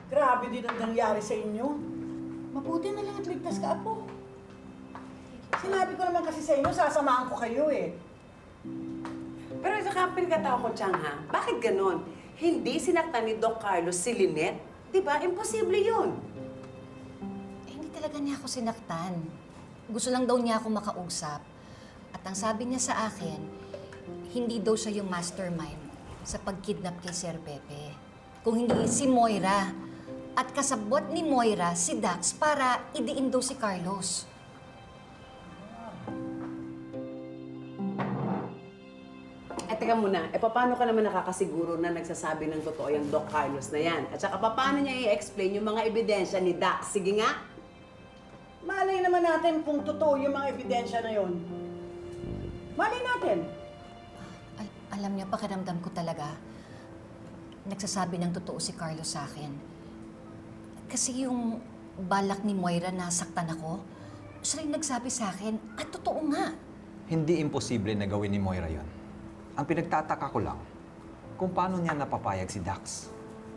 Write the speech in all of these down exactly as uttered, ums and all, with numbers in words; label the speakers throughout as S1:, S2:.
S1: Grabe din ang nangyari sa inyo. Mabuti na lang at ligtas ka, Apo. Sinabi ko naman kasi sa inyo, sasamahan ko kayo eh.
S2: Pero sa kapil katao ko, Chang, ha? Bakit ganon? Hindi sinaktan ni Doc Carlos si Lynette? Diba? Imposible yun.
S3: Eh, hindi talaga niya ako sinaktan. Gusto lang daw niya ako makausap. At ang sabi niya sa akin, hindi daw siya yung mastermind sa pagkidnap kay Sir Pepe. Kung hindi si Moira. At kasabot ni Moira si Dax para idiin daw si Carlos.
S2: Eh, teka muna. Eh, paano ka naman nakakasiguro na nagsasabi ng totoo yung Doc Carlos na yan? At saka, paano niya i-explain yung mga ebidensya ni Dax? Sige nga.
S1: Malay naman natin kung totoo yung mga ebidensya na yon. Malay natin.
S3: Al- alam niya, pakiramdam ko talaga, nagsasabi ng totoo si Carlos sa akin. Kasi yung balak ni Moira na saktan ako, siya rin nagsabi sa akin, at totoo nga.
S4: Hindi imposible na gawin ni Moira yon. Ang pinagtataka ko lang, kung paano niya napapayag si Dax.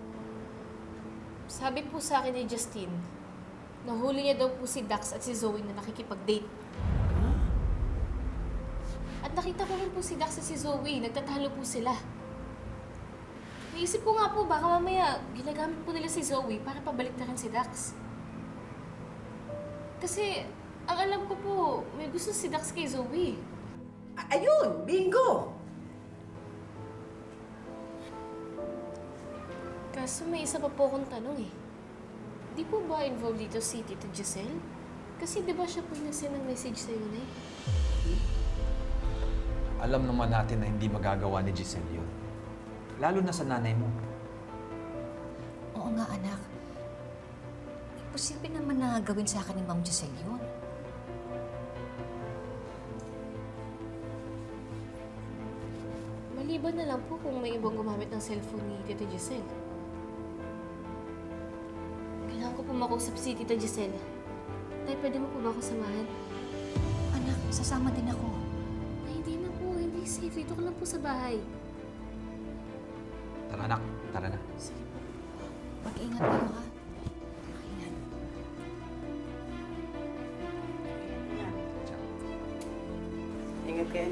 S5: Sabi po sa akin ni Justine, nahuli niya daw po si Dax at si Zoe na nakikipag-date. At nakita ko rin po si Dax at si Zoe, nagtatalo po sila. Naisip ko nga po, baka mamaya ginagamit po nila si Zoe para pabalik na rin si Dax. Kasi, ang alam ko po, may gusto si Dax kay Zoe.
S2: A- Ayun! Bingo!
S5: Kaso may isa pa po akong tanong eh. Di po ba involved dito si Tito Giselle? Kasi di ba siya po yung nagsend ng message sa'yo na eh?
S4: Alam naman natin na hindi magagawa ni Giselle yun. Lalo na sa nanay mo.
S3: Oo nga, anak. Posible naman na gawin sa akin ni Ma'am Giselle yun.
S5: Maliban na lang po kung may ibang gumamit ng cellphone ni Tito Giselle. Kailangan ko po makausap si Tita Giselle. Tay, pwede mo po ba ako samahan?
S3: Anak, sasama din ako.
S5: Ay, hindi na po. Hindi safe. Dito ko lang po sa bahay.
S4: Tara anak, tara na.
S5: Sige po.
S3: Mag-ingat kayo, ha? Mag-ingat.
S2: Ingat kayo.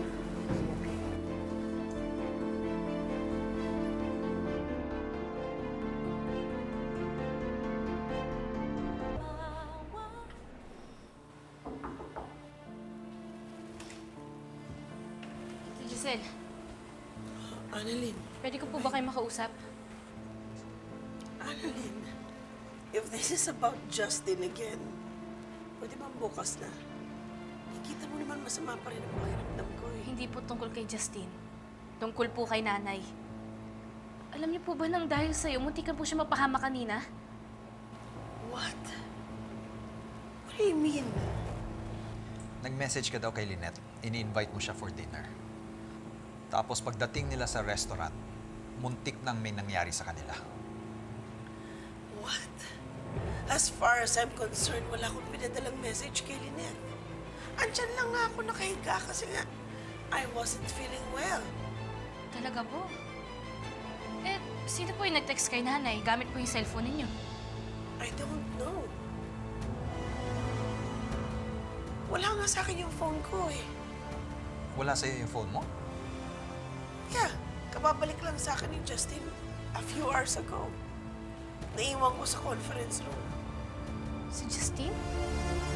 S5: Tita Giselle,
S6: Annalyn,
S5: pwede ko po ba kayo makausap?
S6: Annalyn, if this is about Justin again, pwede bang bukas na? Nakikita mo naman masama pa rin ang pakiramdam ko eh.
S5: Hindi po tungkol kay Justine. Tungkol po kay nanay. Alam niyo po ba nang dahil sa'yo, muntikan po siya mapahama kanina?
S6: What? What do you mean?
S4: Nag-message ka daw kay Lynette. Ini-invite mo siya for dinner. Tapos pagdating nila sa restaurant, muntik nang may nangyari sa kanila.
S6: What? As far as I'm concerned, wala akong pinadalang message kay Lynette. Andyan lang nga ako nakahiga kasi nga I wasn't feeling well.
S5: Talaga po? Eh, sino po yung nag-text kay nanay? Gamit po yung cellphone ninyo.
S6: I don't know. Wala nga sa akin yung phone ko eh.
S4: Wala sa'yo yung phone mo?
S6: Yeah, kababalik lang sa akin ni Justin a few hours ago. Naiwan ko sa conference room.
S5: Si Justine?